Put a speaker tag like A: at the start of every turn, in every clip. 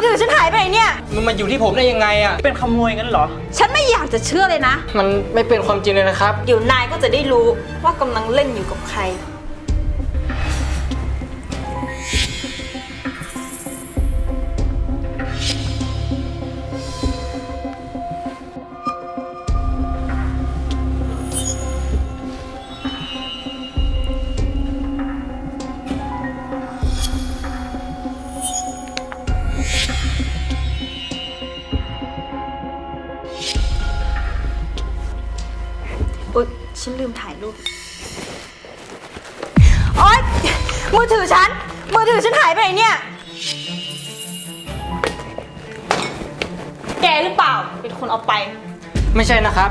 A: ถือฉันหายไปไหนเนี่ย
B: มันมาอยู่ที่ผมได้ยังไงอ่ะ
C: เป็นขโมยงั้นเหรอ
A: ฉันไม่อยากจะเชื่อเลยนะ
B: มันไม่เป็นความจริงเลยนะครับ
A: เดี๋ยวนายก็จะได้รู้ว่ากำลังเล่นอยู่กับใครอุ๊ยฉันลืมถ่ายรูปโอ๊ยมือถือฉันหายไปไหนเนี่ยแกหรือเปล่าเป็นคนเอาไป
B: ไม่ใช่นะครับ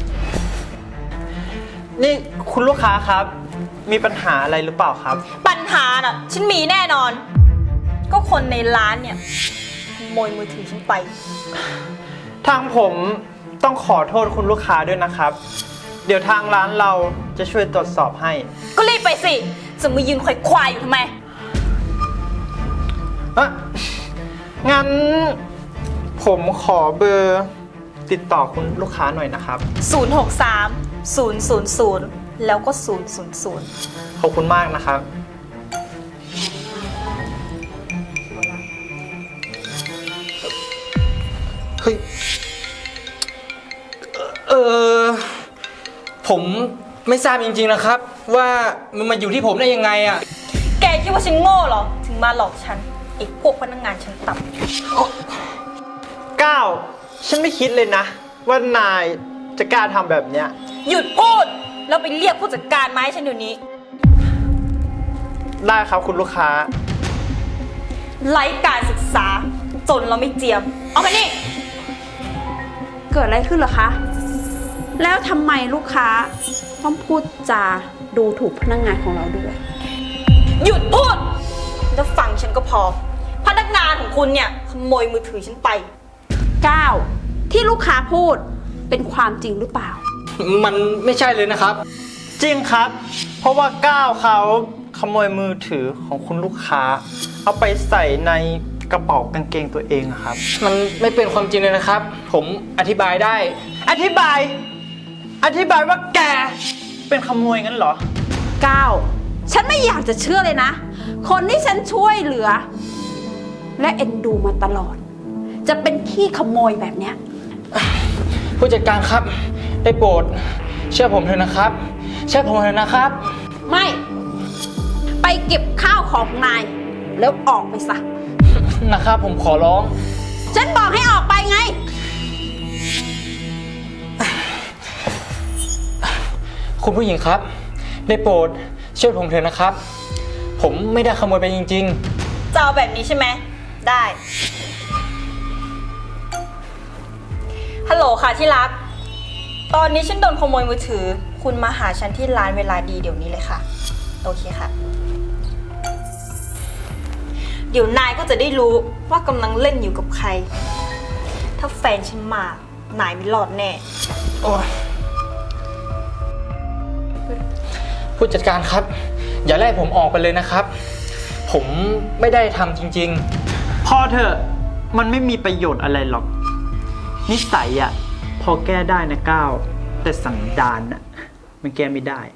C: นี่คุณลูกค้าครับมีปัญหาอะไรหรือเปล่าครับ
A: ปัญหาน่ะฉันมีแน่นอนก็คนในร้านเนี่ยขโมยมือถือฉันไป
C: ทางผมต้องขอโทษคุณลูกค้าด้วยนะครับเดี๋ยวทางร้านเราจะช่วยตรวจสอบให้
A: ก็รีบไปสิจะมายืนควายอยู่ทำไม
C: งั้นผมขอเบอร์ติดต่อคุณลูกค้าหน่อยนะครับ
A: 063 000แล้วก็000
C: ขอบคุณมากนะครับ
B: เฮ้ยผมไม่ทราบจริงๆนะครับว่ามันมาอยู่ที่ผมได้ยังไงอ่ะ
A: แกคิดว่าฉันโง่เหรอถึงมาหลอกฉันไอ้พวกพนักงานชั้นต่
C: ำก้าวฉันไม่คิดเลยนะว่านายจะกล้าทำแบบเนี้ย
A: หยุดพูดแล้วไปเรียกผู้จัดการมาให้ฉันเดี๋ยวนี้
C: ได้ครับคุณลูกค้า
A: ไร้การศึกษาจนเราไม่เจียมเอาไปนี่
D: เกิดอะไรขึ้นเหรอคะแล้วทำไมลูกค้าต้องพูดจาดูถูกพนักงานของเราด้วย
A: หยุดพูดแล้วฟังฉันก็พอพนักงานของคุณเนี่ยขโมยมือถือฉันไป
D: 9ที่ลูกค้าพูดเป็นความจริงหรือเปล่า
B: มันไม่ใช่เลยนะครับ
C: จริงครับเพราะว่าก้าวเขาขโมยมือถือของคุณลูกค้าเอาไปใส่ในกระเป๋ากางเกงตัวเองครับ
B: มันไม่เป็นความจริงเลยนะครับผมอธิบายได้
C: อธิบายว่าแกเป็นขโมยงั้นเหรอ
D: 9ฉันไม่อยากจะเชื่อเลยนะคนที่ฉันช่วยเหลือและเอ็นดูมาตลอดจะเป็นขี้ขโมยแบบเนี้ย
B: ผู้จัดการครับได้โปรดเชื่อผมเถอะนะครับเชื่อผมเถอะนะครับ
D: ไม่ไปเก็บข้าวของนายแล้วออกไปซะ
B: นะครับผมขอร้อง
D: ฉันบอกให้ออกไปไง
B: คุณผู้หญิงครับได้โปรดช่วยผมเถอะนะครับผมไม่ได้ขโมยไปจริง
A: ๆจะเอาแบบนี้ใช่ไหมได้ฮัลโหลค่ะที่รักตอนนี้ฉันโดนขโมยมือถือคุณมาหาฉันที่ร้านเวลาดีเดี๋ยวนี้เลยค่ะโอเคค่ะเดี๋ยวนายก็จะได้รู้ว่ากำลังเล่นอยู่กับใครถ้าแฟนฉันมานายไม่รอดแน่
B: โอ้ผู้จัดการครับอย่าไล่ผมออกไปเลยนะครับผมไม่ได้ทำจริง
C: ๆพอเถอะมันไม่มีประโยชน์อะไรหรอกนิสัยอ่ะพอแก้ได้นะก้าวแต่สันดานน่ะมันแก้ไม่ได้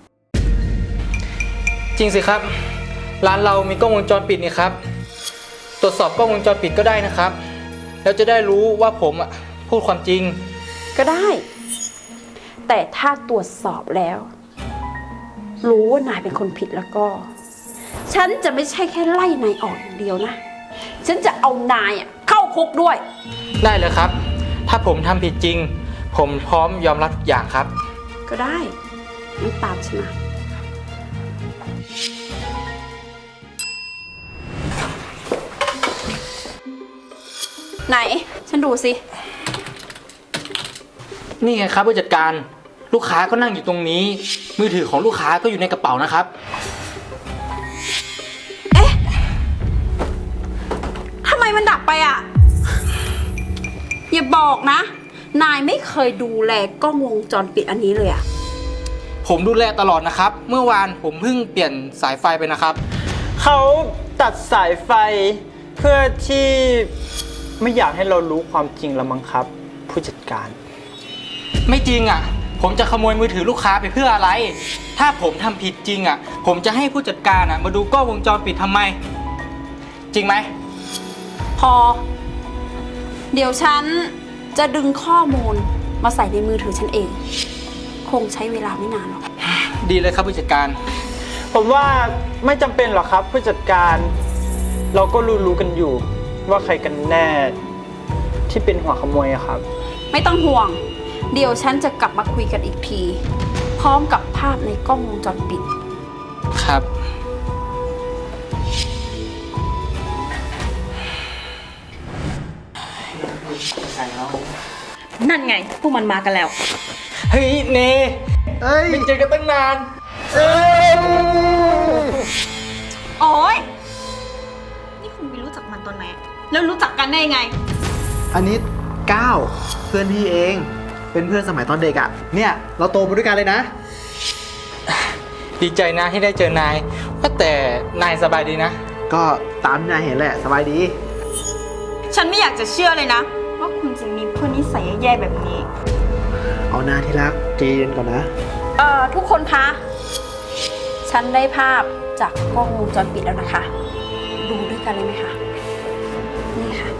B: จริงสิครับร้านเรามีกล้องวงจรปิดนี่ครับตรวจสอบกล้องวงจรปิดก็ได้นะครับแล้วจะได้รู้ว่าผมอ่ะพูดความจริง
D: ก็ได้แต่ถ้าตรวจสอบแล้วรู้ว่านายเป็นคนผิดแล้วก็ฉันจะไม่ใช่แค่ไล่นายออกอย่างเดียวนะฉันจะเอานายเข้าคุกด้วย
B: ได้เลยครับถ้าผมทำผิดจริงผมพร้อมยอมรับทุกอย่างครับ
D: ก็ได้งั้นตามฉันมาไหนฉันดูสิ
B: นี่ไงครับผู้จัดการลูกค้าก็นั่งอยู่ตรงนี้มือถือของลูกค้าก็อยู่ในกระเป๋านะครับ
D: เอ๊ะทำไมมันดับไปอ่ะอย่าบอกนะนายไม่เคยดูแลกล้องวงจรปิดอันนี้เลยอ่ะ
B: ผมดูแลตลอดนะครับเมื่อวานผมเพิ่งเปลี่ยนสายไฟไปนะครับ
C: เขาตัดสายไฟเพื่อที่ไม่อยากให้เรารู้ความจริงละมั้งครับ ผู้จัดการ
B: ไม่จริงอ่ะ ผมจะขโมยมือถือลูกค้าไปเพื่ออะไร ถ้าผมทำผิดจริงอ่ะ ผมจะให้ผู้จัดการอ่ะมาดูกล้องวงจรปิดทำไม จริงไหม
D: พอ เดี๋ยวฉันจะดึงข้อมูลมาใส่ในมือถือฉันเอง คงใช้เวลาไม่นานหรอก
B: ดีเลยครับผู้จัดการ
C: ผมว่าไม่จำเป็นหรอกครับผู้จัดการ เราก็รู้กันอยู่ ว่าใครกันแน่ที่เป็นหัวขโมยอะครับ
D: ไม่ต้องห่วง เดี๋ยวฉันจะกลับมาคุยกันอีกที พร้อมกับภาพในกล้องวงจรปิด
B: ครับ
A: นั่นไง พวกมันมากันแล้ว
B: เฮ้ยเน
C: เอ้ย
B: ไม่เจอกันตั้งนาน
A: โอ๊ย นี่คุณไปรู้จักมันตอนไหน แล้วรู้จักกันได้ยังไง
E: อันนี้ก้าวเพื่อนพี่เอง เป็นเพื่อนสมัยตอนเด็กอะ่ะ เนี่ยเราโตมาด้วยกันเลยนะ
B: ดีใจนะที่ได้เจอนายว่าแต่นายสบายดีนะ
E: ก็ตามที่นายเห็นแหละสบายดี
A: ฉันไม่อยากจะเชื่อเลยนะ ว่าคุณจะมีเพื่อนนิสัยแย่ๆแบบนี้
E: เอาหน้าที่รักใจเย็นก่อนนะ
D: ทุกคนคะ ฉันได้ภาพจากกล้องวงจรปิดแล้วนะคะ ดูด้วยกันเลยไหมคะ นี่ค่ะ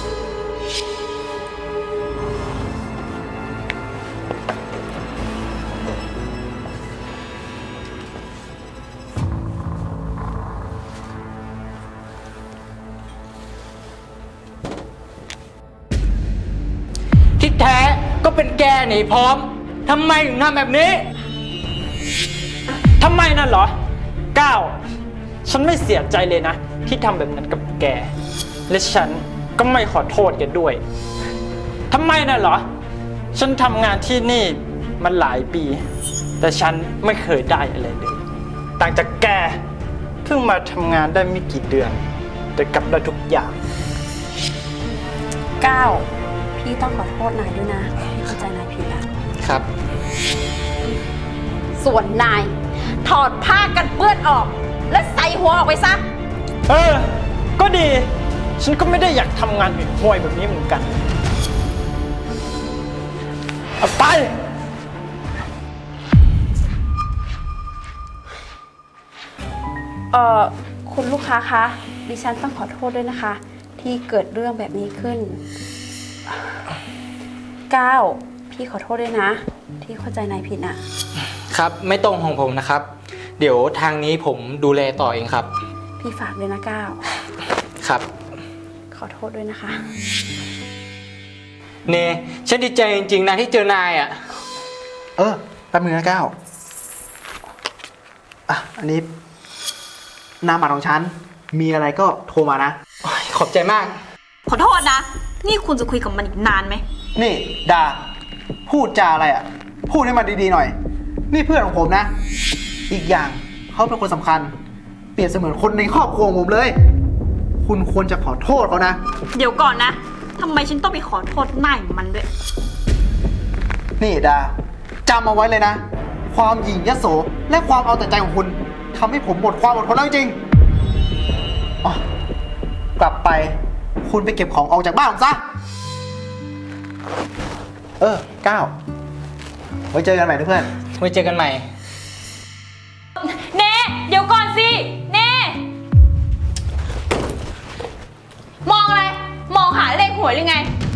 B: ที่แท้ก็เป็นแกหนีพร้อมทำไมถึงทำแบบนี้
C: ทำไมนั่นเหรอก้าวฉันไม่เสียใจเลยนะ ที่ทำแบบนั้นกับแก และฉันก็ไม่ขอโทษแกด้วยทำไมนั่นเหรอ ฉันทำงานที่นี่มันหลายปี แต่ฉันไม่เคยได้อะไรเลย ต่างจากแกเพิ่งมาทำงานได้ไม่กี่เดือน แต่กลับได้ทุกอย่าง
D: พี่ต้องขอโทษนายด้วยนะที่เข้าใจนายผิดละ
B: ครับ
D: ส่วนนาย ถอดผ้ากันเปื้อนออก และใส่หัวออกไปซะ
C: ก็ดี ฉันก็ไม่ได้อยากทำงานห่วยๆแบบนี้เหมือนกันเอาไป
D: คุณลูกค้าคะ ดิฉันต้องขอโทษด้วยนะคะ ที่เกิดเรื่องแบบนี้ขึ้น พี่ขอโทษด้วยนะ ที่เข้าใจนายผิดนะครับ
B: ไม่ต้องห่วงผมนะครับ เดี๋ยวทางนี้ผมดูแลต่อเองครับ
D: พี่ฝากด้วยนะก้าว
B: ครับ
D: ขอโทษด้วยนะคะ
B: เนฉันดีใจจริงๆนะที่เจอนายอ่ะ
E: แป๊บนึงนะก้าวอันนี้นามบัตรของฉัน มีอะไรก็โทรมานะ
B: ขอบใจมาก
A: ขอโทษนะ นี่คุณจะคุยกับมันอีกนานไหม
E: นี่ดาพูดจาอะไรอ่ะ พูดให้มันดีๆหน่อย นี่เพื่อนของผมนะ อีกอย่างเขาเป็นคนสำคัญ เปรียบเสมือนคนในครอบครัวของผมเลย คุณควรจะขอโทษเขานะ
A: เดี๋ยวก่อนนะ ทำไมฉันต้องไปขอโทษหน้าอย่างมันด้วย
E: นี่ดาจำเอาไว้เลยนะ ความหยิ่งยโสและความเอาแต่ใจของคุณทำให้ผมหมดความอดทนแล้วจริงๆอ๋อกลับไป คุณไปเก็บของออกจากบ้านผมซะก้าวไว้เจอกันใหม่นะเพื่อน
B: ไว้เจอกันใหม่
A: เน่เดี๋ยวก่อนสิ เน่มองอะไร มองหาเลขหวยหรือไง